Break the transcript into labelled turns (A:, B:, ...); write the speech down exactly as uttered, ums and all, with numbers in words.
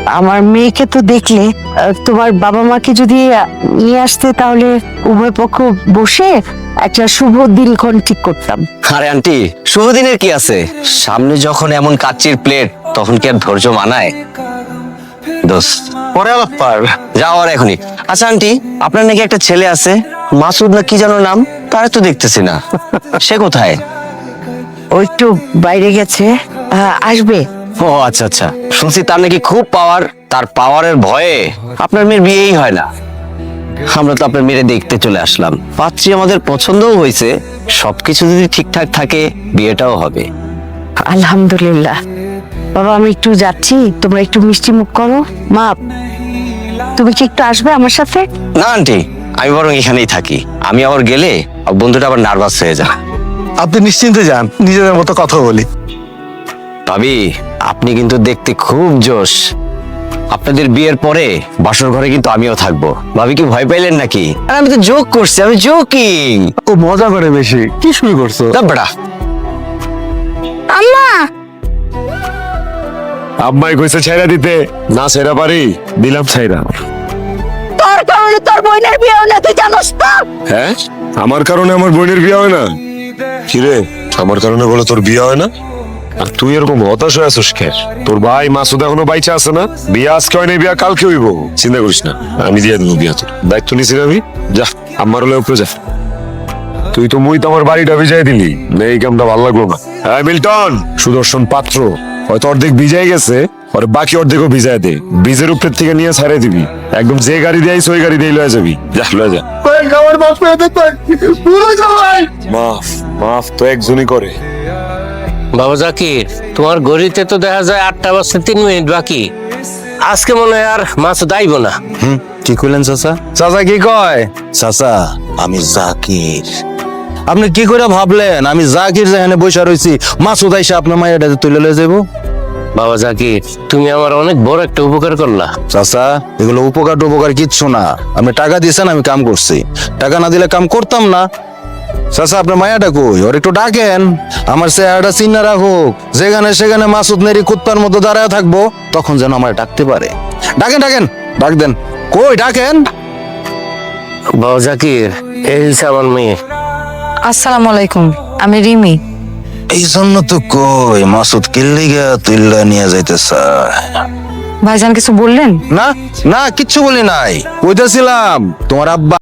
A: আমার মেয়েকে তো দেখলে, আহ, তোমার বাবা মাকে যদি আহ, নিয়ে আসতে তাহলে উভয় পক্ষ বসে একটা শুভ দিনক্ষণ ঠিক করতাম।
B: আরে আন্টি, শুভ দিনের কি আছে? সামনে যখন এমন কাচ্চির প্লেট, তখন কি আর ধৈর্য মানায়? দোস্ত, পরে আলাপ পার, যাও আর এখনই। আচ্ছা আন্টি, আপনার নাকি একটা ছেলে আছে, মাসুদ না কি যেন নাম? তারে তো দেখতেছি না, সে কোথায়?
A: ও একটু বাইরে গেছে, আহ, আসবে।
B: ও আচ্ছা আচ্ছা, শুনছি তার নাকি খুব পাওয়ার, তার পাওয়ারের ভয়ে আপনার মেয়ের বিয়েই হয় না। আমরা তো আপনার মেয়ে দেখতে চলে আসলাম, পাত্রী আমাদের পছন্দও হয়েছে, সবকিছু যদি ঠিকঠাক থাকে বিয়েটাও হবে।
A: আলহামদুলিল্লাহ। বাবা আমি একটু যাচ্ছি, তোমরা একটু মিষ্টি মুখ করো। মা, তুমি কি একটু আসবে আমার সাথে?
B: না আন্টি, আমি বরং এখানেই থাকি। আমি আবার গেলে বন্ধুটা আবার নার্ভাস হয়ে যায়।
C: আপনি নিশ্চিন্তে যান, নিজেদের মতো কথা বলি।
B: ভাবি, আপনি কিন্তু দেখতে খুব জোশ। আপনাদের বিয়ের পরে বাসর ঘরে কিন্তু আমিও থাকবো। ভাবি কি ভয় পাইলেন নাকি? আরে আমি তো জোক করছি, আমি জোকিং।
C: ও মজা করে বেশি, কি শুরু করছো?
B: বেটা,
A: আম্মা,
D: আম্মাই কইছে ছাইরা দিতে, না ছাইরা পারি, দিলাম ছাইরা।
A: তোর কারণে তোর বোনের বিয়ে হলো, তুই জানোস তো?
D: হ্যাঁ, আমার কারণে আমার বোনের বিয়ে হয় না? কিরে, আমার কারণে বলে তোর বিয়ে হয় না? আর তুই এরকম হতাশ হয়ে আছিস কেন? তোর ভাই মাসুদ এখনো বাইচা আছে না? বিয়ে আজকে হয় না, বিয়ে কালকে হইব। চিন্তা করিস না, আমি দিয়ে দেবো বিয়া। তোর দায়িত্ব নিছি আমি। যা, আমার হলে উপরে যা। তুই তো মুই তো আমার বাড়িটা ভিজাই দিলি, না এই কামটা ভালো লাগলো না। হ্যাঁ মিল্টন, সুদর্শন পাত্র হয়তো অর্ধেক ভিজাই গেছে, আর বাকি অর্ধেকও ভিজাই দে। ব্রিজের উপর থেকে নিয়ে ছাড়াই দিবি, একদম যে গাড়ি দিয়ে ওই গাড়ি দিয়ে লয়ে যাবি। যা লয়ে যা। মাফ মাফ তো একজনই করে।
E: বাবা জাকির, তোমার ঘড়িতে তো দেখা যায় আটটা বাজতে তিন মিনিট বাকি। আজকে মনে হয় আর মাসুদ আইব না।
F: হুম, কি কইলেন চাচা?
C: চাচা কি কয়?
F: চাচা, আমি জাকির। আপনি কি করে ভাবলেন আমি জাকির যেখানে বসে রয়েছি মাসুদ আইসা আপনার মায়ের তুলে লয়ে যাবো?
E: বাবা জাকির, তুমি আমার অনেক বড় একটা উপকার করলা।
F: চাচা, এগুলো উপকার উপকার কিচ্ছু না। আপনি টাকা দিয়েছেন, আমি কাম করছি। টাকা না দিলে কাম করতাম না। চাচা, আপনার মায়াটা কই? ওর একটু ডাকেন, আমার চেহারাটা চিন্না রাখুক। যেখানে সেখানে মাসুদ নেরি কুত্তার মতো দাঁড়ায় থাকবো, তখন যেন আমার ডাকতে পারে। ডাকেন ডাকেন, ডাক দেন। কই ডাকেন?
E: বাবা জাকির, এই হচ্ছে আমার মেয়ে।
G: আসসালামু আলাইকুম, আমি রিমি।
F: এই জন্য তো কই মাসুদ কিল্লিগা তুইল্লা নিয়ে যাইতে চায়।
G: ভাইজান কিছু বললেন?
F: না না, কিচ্ছু বলি নাই। কইতেছিলাম তোমার আব্বা